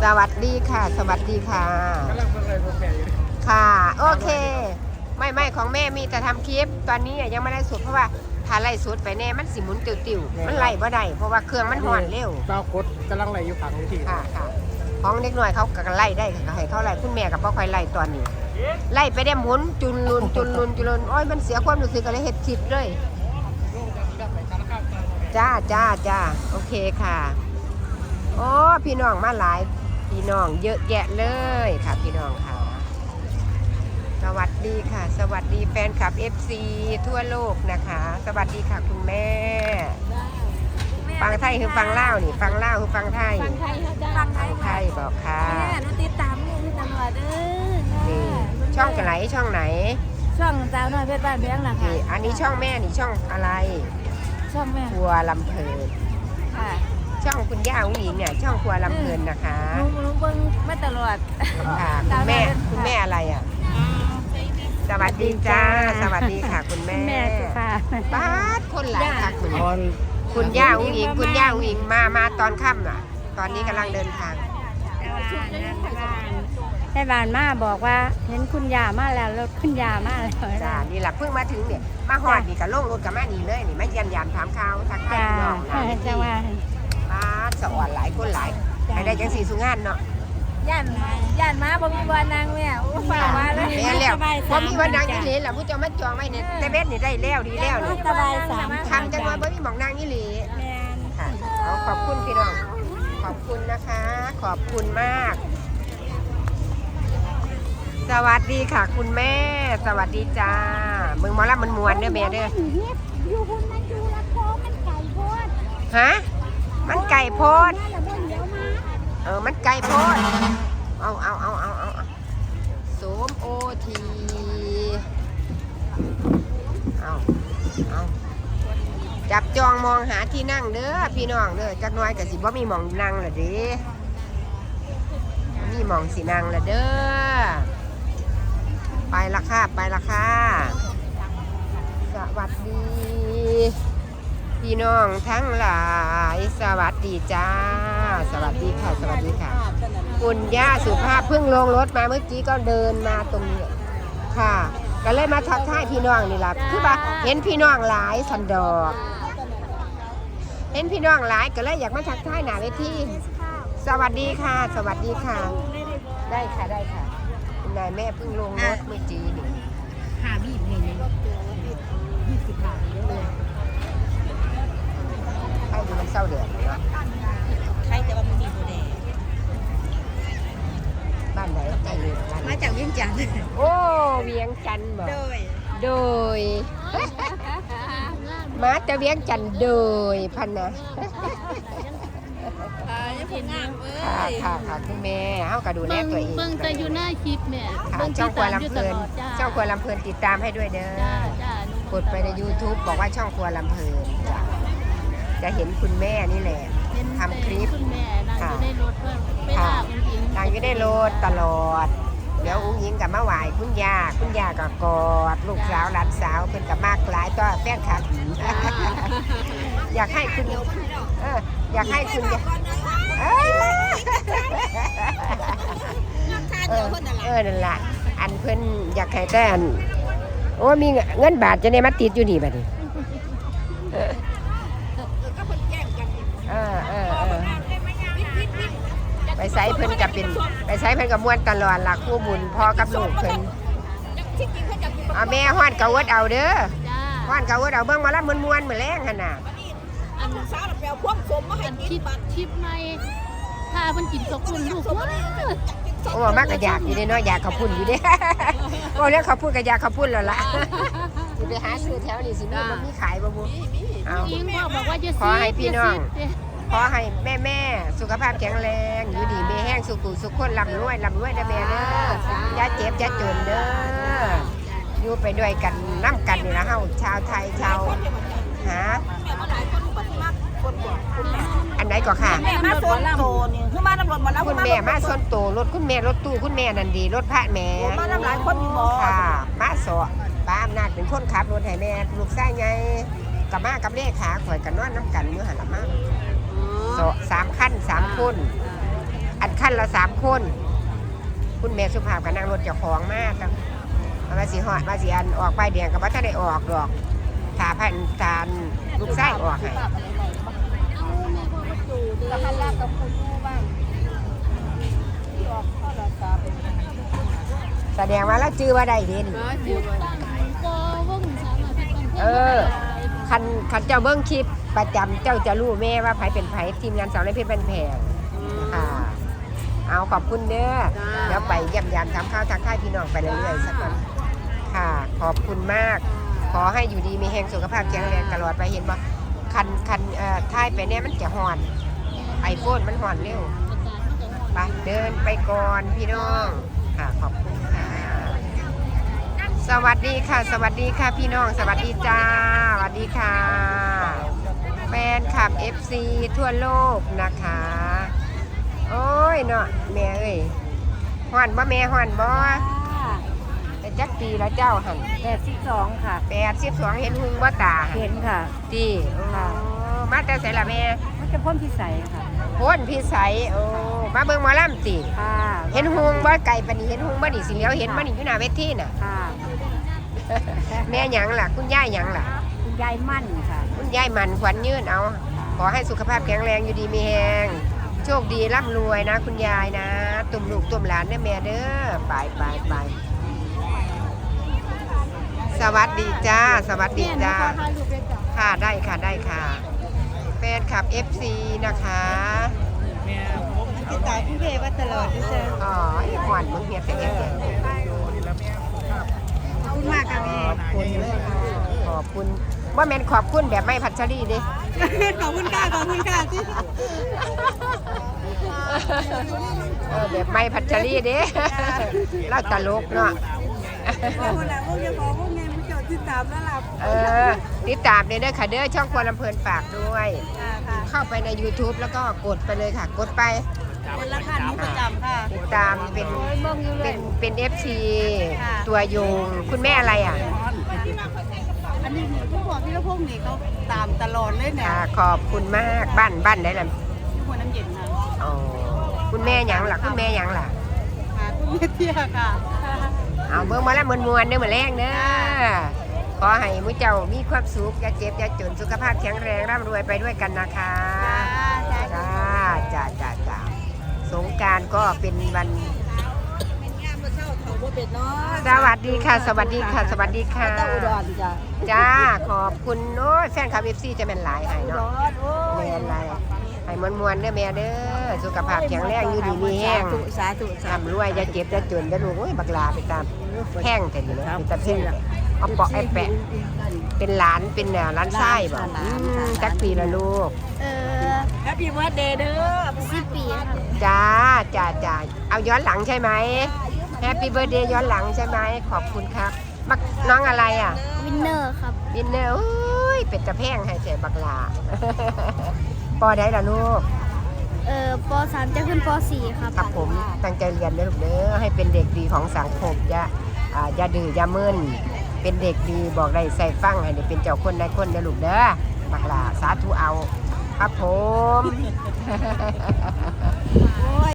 สวัสดีค่ะสวัสดีค่ะกำลังเพิ่งเลยพวกแม่อยู่ค่ะโอเคไม่ของแม่มีแต่ทำคลิปตอนนี้ยังไม่ได้สุดเพราะว่าถ้าไล่สุดไปแน่มันสิหมุนติวๆมันไล่บ่ได้เพราะว่าเครื่องมันห่อนเร็วดาวคดกำลังไหลอยู่ขังวิธีค่ะของเด็กหน่อยเขาก็ไล่ได้ค่ะให้เขาไล่คุณแม่กับพ่อคอยไล่ตอนนี้ไล่ไปได้หมุนจุนลุนโอ้ยมันเสียความรู้สึกอะไรเห็ดคลิปเลยจ้าโอเคค่ะโอ้พี่น้องมาหลายพี่น้องเยอะแยะเลยค่ะพี่น้องค่ะสวัสดีค่ะสวัสดีแฟนคลับ FC ทั่วโลกนะคะสวัสดีค่ะคุณแม่ฟังไทยคือฟังเล่านี่ฟังเล่าคือฟังไทยฟังไทยค่ะฟังไทยบอกค่ะแม่หนูติดตามนี่ตลอดนี่ช่องไหนช่องไหนช่องสาวน้อยเพชรบ้านเพียงนะคะนี่อันนี้ช่องแม่นี่ช่องอะไรช่องแม่ครัวลำเพลินค่ะช่องคุณย่าอุ้งอิงเนี่ยช่องครัวลำเพลินนะคะหนูเบิ่งมาตลอดค่ะคุณแม่อะไรอ่ะสวัสดีจ้าสวัสดีค่ะคุณแม่ค่ะบ้านคนหลายค่ะคุณย่าอุ้งอิงมาตอนค่ำน่ะตอนนี้กำลังเดินทางแต่บ้านมาบอกว่าเห็นคุณยามาแล้วรถคุณยามาแล้วจ้านี่แหละเพิ่งมาถึงเนี่ยมาหอดนี่กับลงรถกับแม่นี่เลยนี่มาเยี่ยมถามข่าวทักทายพี่น้องจ้าว่าบ้านสวรรค์หลายคนหลายให้ได้จังสีสุงานเนาะย่านมาบ่มีวันนางแม่ฝากมาเลยแม่แล้วบ่มีวันนางนี่เหลล่ะผู้เจ้ามาจองไว้เนี่ยแต่เบ็ดนี่ได้แล้วดีแล้วนี่สบายทำจังว่าบ่มีหม่องนางนี่เหล่ค่ะเอาขอบคุณพี่น้องขอบคุณนะคะขอบคุณมากสวัสดีค่ะคุณแม่สวัสดีจ้ามึงมาละมันมวนเด้อแม่เด้ออยู่คนมันอยู่ละโพมันไก่โพดฮะมันไก่โพดมันไก่โพดเอาโสมโอทีเอาจับจองมองหาที่นั่งเด้อพี่น้องเด้อจักน้อยก็สิบ่มีหม่องนั่งละเด้มีหม่องสินั่งละเด้อไปละค่ะสวัสดีพี่น้องทั้งหลายสวัสดีจ้าสวัสดีค่ะคุณย่าสุภาพเพิ่งลงรถมาเมื่อกี้ก็เดินมาตรงนี้ค่ะก็เลยมาทักทายพี่น้องนี่แหละคือว่าเห็นพี่น้องหลายสันดอกเห็นพี่น้องหลายก็เลยอยากมาทักทายหน้าเวทีสวัสดีค่ะได้ค่ะคุณนายแม่เพิ่งลงรถเมื่อกี้นี่หาบีบนี่20 บาทเลยให้ดูมันเศร้าเดือดเนาะใครแต่ว่ามันมีโบแดงบ้านไหนใกล้เลยมาจากเวียงจันทร์โอ้เวียงจันทร์บอกโดยมาจะเวียงจันทร์โดยพันนะค่ะคุณแม่เอากระดูแลตัวเองเบิ่งแต่อยู่หน้าคลิปแม่ช่องครัวลำเพลินติดตามให้ด้วยเด้อกดไปใน YouTube บอกว่าช่องครัวลำเพลินจะเห็นคุณแม่นี่แหละทำคลิปคุณแม่นางอยู่ในรถเวลาอุ้งอิงนางอยู่ในรถตลอดเดี๋ยวอุ้งอิงกับมาไหวคุณย่าก็กอดลูกสาวหลานสาวเป็นกับมากหลายก็แฟนคลับอยากให้คุณนั่นแหละอันเพิ่นอยากให้แต่อันโอ้มีเงินบาทจะได้มาติดอยู่นี่บัดนี้ไปใส่เพิ่นกับเป็นไปใส่เพิ่นกับม้วนตลอดล่ะคู่บุญพ่อกับลูกเพิ่นแม่ฮ้อนกะวดเอาเด้อฮ้อนกะวดเอาเบิ่งมาละม้วนๆมื้อแลงหั่นน่ะอันสาวแปลความสมมาให้กินคลิปใหม่ถ้าเพิ่นกินกับคุณลูกว่าโอ้มากก็อยากอยู่เนาะอยากข้าวปุ้นอยู่เด้โอ้แล้วข้าวปุ้นก็อยากข้าวปุ้นแล้วล่ะสิไปหาซื้อแถวนี้สิมันมีขายบ่บุเอาขอให้พี่น้องขอให้แม่สุขภาพแข็งแรงอยู่ดีมีแห้งสุขุสุขคนร่ำรวยนะแม่เด้ออย่าเจ็บอย่าจนเด้ออยู่ไปด้วยกันน้ำกันนี่นะเฮาชาวไทยชาวหาอันไหนก็ค่ะแม่มาส้นโตนี่คือมาตำรวจมาแล้วคุณแม่มาส้นโตรถคุณแม่รถตู้คุณแม่นันดีรถพระแม่มาหลายคนอยู่บ่ค่ะมาสอป้าอำนาจเป็นคนขับรถให้แม่ลูกชายไงกับมากับเลขาข่อยกันนอนน้ำกันอยู่หันละมา3 คัน 3 คนอันขั้นละ3 คนคุณแม่สุภาพกับนั่งรถเจ้าของมากครับมาสิหอดมาสิอันออกไปเดียงกับว่าถ้าได้ออกดอกถาพันทานลูกไส้ออกให้เอาแม่พ่อก็จูดิแล้วหันหน้ากับคุณแม่บ้างที่ออกข้อละสามแสดงว่าแล้วจื้อว่าได้เด่นจุดตั้งก็ว่งสามอาทิตย์เออคันเจ้าเบิ้งคลิปประจำเจ้าจะรู้แม่ว่าไผเป็นไผทีมงานสาวในเพชรบ้านแพงค่ะเอาขอบคุณเด้อเดี๋ยวไปเยี่ยมยามทำข้าวทักทายพี่น้องไปเรื่อยๆสักวันค่ะขอบคุณมากขอให้อยู่ดีมีแห่งสุขภาพแข็งแรงตลอดไปเห็นบ่คันท้ายไปเนี่ยมันจะห่อนไอโฟนมันห่อนเร็วไปเดินไปก่อนพี่น้องค่ะขอบคุณค่ะสวัสดีค่ะสวัสดีค่ะพี่น้องสวัสดีจ้าสวัสดีค่ะแฟนคลับ FC ทั่วโลกนะคะโอ้ยเนาะแม่เอ้ยห่อนบ่แม่ห่อนบ่แต่จักปีแล้วเจ้าหัน 82ค่ะ 82เห็นหุงบ่ตาเห็นค่ะตีมาแต่ไสล่ะแม่มันจะพ่นพิสัยค่ะพ้นพี่ใสโอ้มาเบิ่งหมอลำติค่ะเห็นหุงบ่ไก่ปานนี้เห็นหุงบ่นี่สิเหลียวเห็นบ่นี่อยู่หน้าเวทีน่ะค่ะแม่หยังล่ะคุณย่าหยังล่ะคุณยายมั่นค่ะคุณยายมันขวัญยืนเอาขอให้สุขภาพแข็งแรงอยู่ดีมีแฮงโชคดีร่ำรวยนะคุณยายนะตุ่มลูกตุ่มหลานเด้อแม่เด้อไปสวัสดีจ้าสวัสดีจ้าค่ะได้ค่ะได้ค่ะแฟนคลับ FC นะคะติดตามพี่เพว่าตลอดด้วยเจ้อ๋อไอ้ขวัญมึงเฮียแต่เงี้ยขอบคุณมากค่ะแม่ขอบคุณว่าแม่นขอบคุณแบบไม่พัชรีดิขอบคุณค่ะขอบคุณค่ะที่แบบไม่พัชรีดิเล่าตลกเนาะขอบคุณนะพวกจะขอพวกแม่ผู้ชมที่ตามแล้วล่ะติดตามเด้อค่ะเด้อช่องครัวลำเพลินฝากด้วยค่ะเข้าไปใน YouTube แล้วก็กดไปเลยค่ะ กดไปเป็นราคานี้ประจำค่ะติดตามเป็น FC ค่ะตัวยงคุณแม่อะไรอ่ะอันนี้หนูทุกคนที่ละพวกนี้เขาตามตลอดเลยเนี่ยขอบคุณมากบ้านได้ละทุกคนน้ำเย็นนะอ๋อคุณแม่หยังล่ะคุณแม่หยังล่ะค่ะคุณแม่เที่ยค่ะเอาเบิ่งมาแล้วมวนๆเด้อมื้อแรงเด้อขอให้มื้อเจ้ามีความสุขอย่าเจ็บอย่าจนสุขภาพแข็งแรงร่ำรวยไปด้วยกันนะคะจ้าสงกรานต์ก็เป็นวันสวัสดีค่ะสวัสดีค่ะสวัสดีค่ะอุดรจ้ะจ้าขอบคุณโอ้ยแฟนคลับ FC จะเป็นหลายให้เนาะแม่นหลายให้มวนๆเด้อแม่เด้อสุขภาพแข็งแรงอยู่ดีมีแห้งสาธุร่ำรวยอย่าเจ็บอย่าจนอย่าลูกโอ้ยบักลาไปตามแห้งแต่นี่นะเป็นตาเพ่งเอาเปาะไอ้แปะเป็นหลานเป็นร้านไส้บ่จักปีละลูกแฮปปี้เบิร์ดเดย์เด้อ10 ปีค่ะจ้าเอาย้อนหลังใช่ไหมแฮปปี้เบิร์ดเดย์ย้อนหลังใช่ไหมขอบคุณครับบักน้องอะไรอ่ะวินเนอร์ครับวินเนอร์อุ้ยเป็ดตะแพงให้ใจบักลา ปอได้ละลูกป .3 จะขึ้นป .4 ครับครับผมตั้งใจเรียนนะลูกเด้อให้เป็นเด็กดีของสังคมอย่าดื้ออย่ามึนเป็นเด็กดีบอกได้ใส่ฟังให้ได้เป็นเจ้าคนได้คนนะลูกเด้อบักลาสาธุเอาครับผม